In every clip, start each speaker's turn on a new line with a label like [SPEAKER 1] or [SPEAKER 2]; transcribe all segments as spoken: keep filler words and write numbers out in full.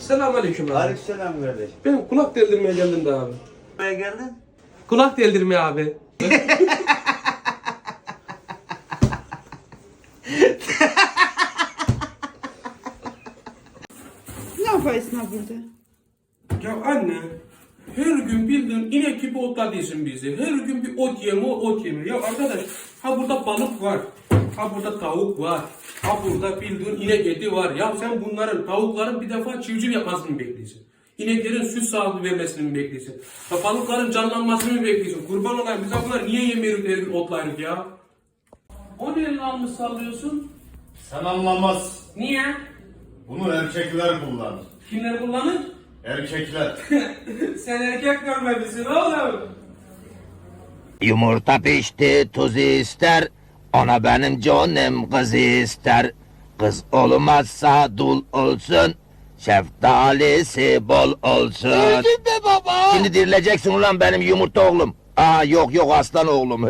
[SPEAKER 1] Selamünaleyküm abi.
[SPEAKER 2] Aleykümselam kardeş.
[SPEAKER 1] Benim kulak deldirmeye geldim de abi.
[SPEAKER 2] Buraya geldin?
[SPEAKER 1] Kulak deldirmeye abi.
[SPEAKER 3] Ne yaparsın ha burada?
[SPEAKER 1] Ya anne, her gün bildiğin inek gibi otladıysan bizi. Her gün bir ot yeme, ot yeme. Ya arkadaş, ha burada balık var. Ha burada tavuk var. Ha burada bildiğin inek eti var. Ya sen bunların, tavukların bir defa çiftçilik yapmasını mı bekliyorsun? İneklerin süt sağlığı vermesini mi bekliyorsun? Ya balıkların canlanmasını mı bekliyorsun? Kurban olayım, biz bunlar niye yemiyoruz her gün otlayırız ya? O ne almış sallıyorsun?
[SPEAKER 4] Sen anlamaz.
[SPEAKER 1] Niye?
[SPEAKER 4] Bunu erkekler kullanır.
[SPEAKER 1] Kimler kullanır?
[SPEAKER 4] Erkekler.
[SPEAKER 1] Sen erkek görmemişsin oğlum.
[SPEAKER 5] Yumurta pişti tuz ister, ona benim canım kız ister. Kız olmazsa dul olsun, şeftalisi bol olsun. Öldüm be baba. Şimdi dirileceksin ulan benim yumurta oğlum. Aa yok yok aslan oğlum.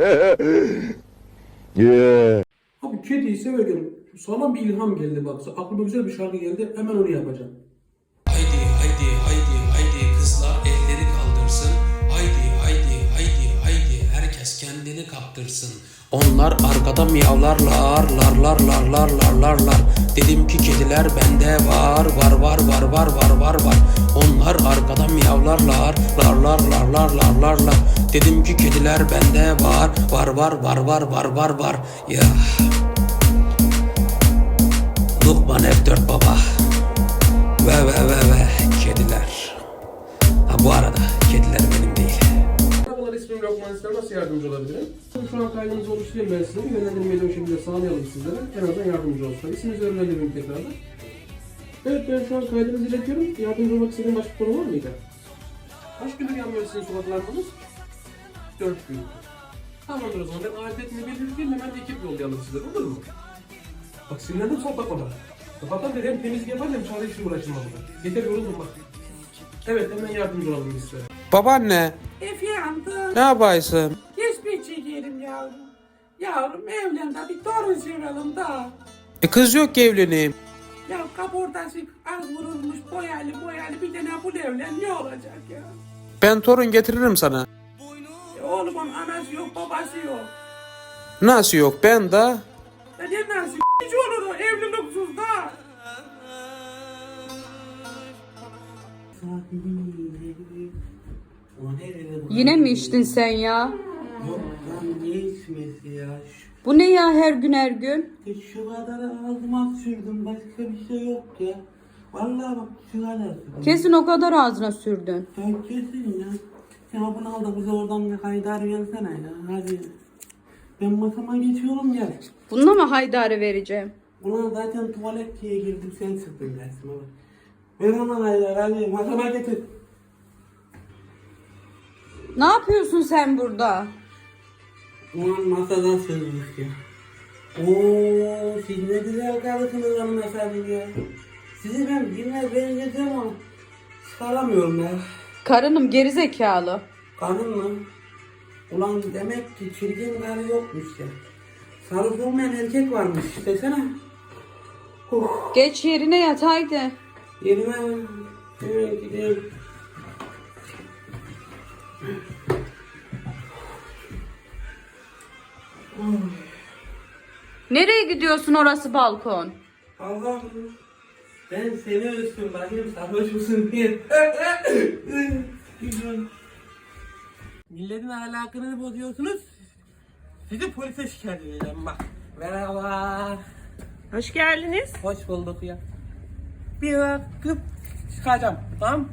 [SPEAKER 5] yeah.
[SPEAKER 1] Abi kediyi severken sağlam bir ilham geldi bak. Aklıma güzel bir şarkı geldi. Hemen onu yapacağım.
[SPEAKER 6] Haydi haydi haydi haydi kızlar elleri kaldırsın. Haydi haydi haydi haydi herkes kendini kaptırsın. Onlar arkada miyavlarlar, larlar larlar larlar lar. Dedim ki kediler bende var, var var var var var var var. Onlar arkada miyavlarlar, larlar larlar larlar lar. Dedim ki kediler bende var, var var var var var var var. Ya. Lokman F dört baba. Ve ve ve ve kediler. Ha bu arada kediler benim değil.
[SPEAKER 1] Merhabalar, ismim Lokman İster. Nasıl yardımcı olabilirim? Şu an kaydınızı oluşturayım ben size. Yönlendirmeyi de o şekilde sağlayalım sizlere. En azından yardımcı olsun. İsminizi öğrenebilirim tekrardan. Evet, ben şu an kaydınızı iletiyorum. Yardımcı olmak istediğim başka konu var mıydı? Kaç gündür yanmıyor sizin sokaklarınız? Dört gün. Tamamdır o zaman. Ben adetini belirteyim, hemen ekip yollayalım sizlere, olur mu? Bak sinirlendim, sohbet ona. Sabahtan beri hem temizlik yapar hem çare işi uğraşım burada. Yeter, yoruldum bak. Evet, hemen yardımcı olalım biz size.
[SPEAKER 7] Babaanne,
[SPEAKER 3] Efendim,
[SPEAKER 7] ne yapaysın?
[SPEAKER 3] geçmiş çekerim yavrum. Yavrum evlendi, bir torun sevelim da.
[SPEAKER 7] E kız yok ki evleneyim.
[SPEAKER 3] Ya kaportası az vurulmuş, boyalı boyalı bir tane bu evlen ne olacak ya?
[SPEAKER 7] Ben torun getiririm sana.
[SPEAKER 3] E, oğlumun anası yok, babası yok.
[SPEAKER 7] Nasıl yok ben de?
[SPEAKER 3] Ya ne nasıl hiç olur o evliliksiz da.
[SPEAKER 8] Yine mi içtin sen ya?
[SPEAKER 2] Yok lan ne içmesi ya? Şu,
[SPEAKER 8] Bu ne ya her gün her gün?
[SPEAKER 2] e, şu kadar ağzıma sürdüm, başka bir şey yok ya. Vallahi bak şu kadar sürdüm.
[SPEAKER 8] Kesin o kadar ağzına sürdün.
[SPEAKER 2] Ya kesin ya. Sen bunu al da bize oradan bir haydar gelsene ya. Hadi. Ben masama geçiyorum gel.
[SPEAKER 8] Bununla mı haydarı vereceğim?
[SPEAKER 2] Ulan zaten tuvalet diye girdim, sen sıktın dersime bak. Ver ona haydar, hadi masama getir.
[SPEAKER 8] Ne yapıyorsun sen burada?
[SPEAKER 2] Ulan masadan sığınmış ya. Ooo siz ne güzel karısınız hanımefendi ya. Sizi ben birine benzetiyorum ama çıkaramıyorum ya.
[SPEAKER 8] Karınım gerizekalı.
[SPEAKER 2] Karın mı? Ulan demek ki çirkin karı yokmuş ya. Sarı olmayan erkek varmış desene. Huh.
[SPEAKER 8] Geç yerine yat haydi.
[SPEAKER 2] Yerime hemen gideyim.
[SPEAKER 8] Nereye gidiyorsun, orası balkon?
[SPEAKER 2] Allah'ım ben seni ölçtüm bakayım sarhoş musun diye. Milletin ahlakını bozuyorsunuz. Sizi polise şikayet edeceğim bak. Merhaba.
[SPEAKER 3] Hoş geldiniz.
[SPEAKER 2] Hoş bulduk ya. Bir bakıp çıkacağım, tamam?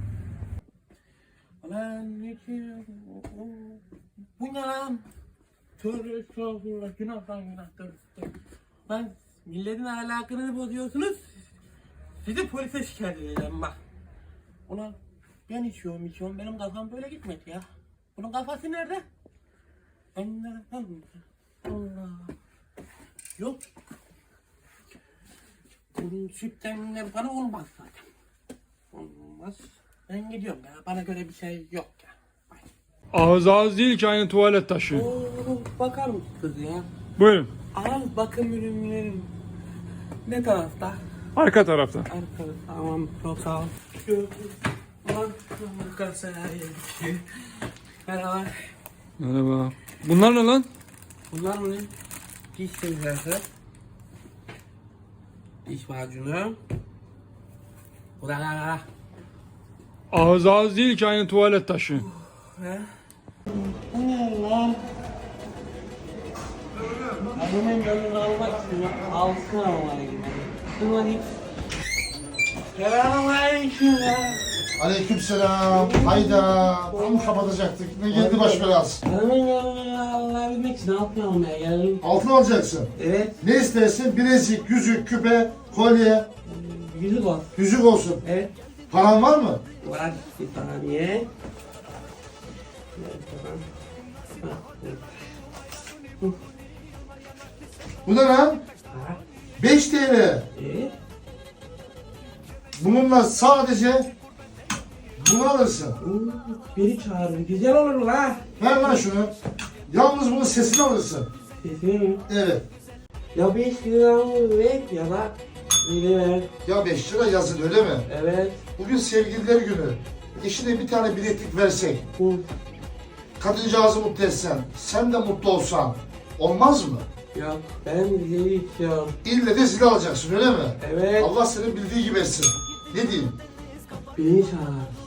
[SPEAKER 2] Ulan ne ki? Bu ne lan? Tövbe estağfurullah, günahtan günahtan. Lan milletin ahlakını bozuyorsunuz. Sizi polise şikayet edeceğim bak. Ulan ben içiyorum içiyorum, benim kafam böyle gitmedi ya. Bunun kafası nerede? Ben nereden? Allah. Yok. Bunun sütten ne bana olmaz zaten. Olmaz. Ben gidiyorum ya. Bana göre bir şey yok ya.
[SPEAKER 9] Ağız ağız değil ki aynı tuvalet taşı.
[SPEAKER 2] Oo, bakar mısınız ya?
[SPEAKER 9] Buyurun.
[SPEAKER 2] Ağız bakım ürünlerim ne tarafta?
[SPEAKER 9] Arka tarafta.
[SPEAKER 2] Arkada tamam çok sağ ol. Şu Ulan kasaya geçiyor. Merhaba.
[SPEAKER 9] Merhaba. Bunlar ne lan?
[SPEAKER 2] Bunlar mı? Diş temizlerse. Diş macunu. Bu da la.
[SPEAKER 9] Ağız ağız değil ki aynı tuvalet taşı.
[SPEAKER 2] Bu ne lan? Hemen yanına almak istiyorum. Alsın ama gibi. Dur bakayım. Selamünaleyküm ya.
[SPEAKER 10] Aleykümselam. Hayda. Tam kapatacaktık. Ne geldi baş belası?
[SPEAKER 2] Hemen yanına alabilmek için altın almaya geldim.
[SPEAKER 10] Altın alacaksın.
[SPEAKER 2] Evet.
[SPEAKER 10] Ne istersin? Bilezik, yüzük, küpe, kolye.
[SPEAKER 2] Yüzük var.
[SPEAKER 10] Yüzük olsun.
[SPEAKER 2] Evet.
[SPEAKER 10] Paran var mı?
[SPEAKER 2] Var bir saniye.
[SPEAKER 10] Bu ne lan? beş T L.
[SPEAKER 2] Evet.
[SPEAKER 10] Bununla sadece bunu alırsın.
[SPEAKER 2] Biri çağırdı. Güzel olur la.
[SPEAKER 10] Ver lan şunu. Yalnız bunun sesini alırsın.
[SPEAKER 2] Sesini mi?
[SPEAKER 10] Evet.
[SPEAKER 2] Ya beş lira mı ver ya da bir ver.
[SPEAKER 10] Ya beş lira yazın öyle mi?
[SPEAKER 2] Evet.
[SPEAKER 10] Bugün sevgililer günü. Eşine bir tane bileklik versek.
[SPEAKER 2] Bu.
[SPEAKER 10] Kadıncağızı mutlu etsen. Sen de mutlu olsan. Olmaz mı?
[SPEAKER 2] Yok ben zili içiyorum.
[SPEAKER 10] İlle de zil alacaksın öyle mi?
[SPEAKER 2] Evet.
[SPEAKER 10] Allah senin bildiği gibi etsin. Ne diyeyim?
[SPEAKER 2] Beni çağır.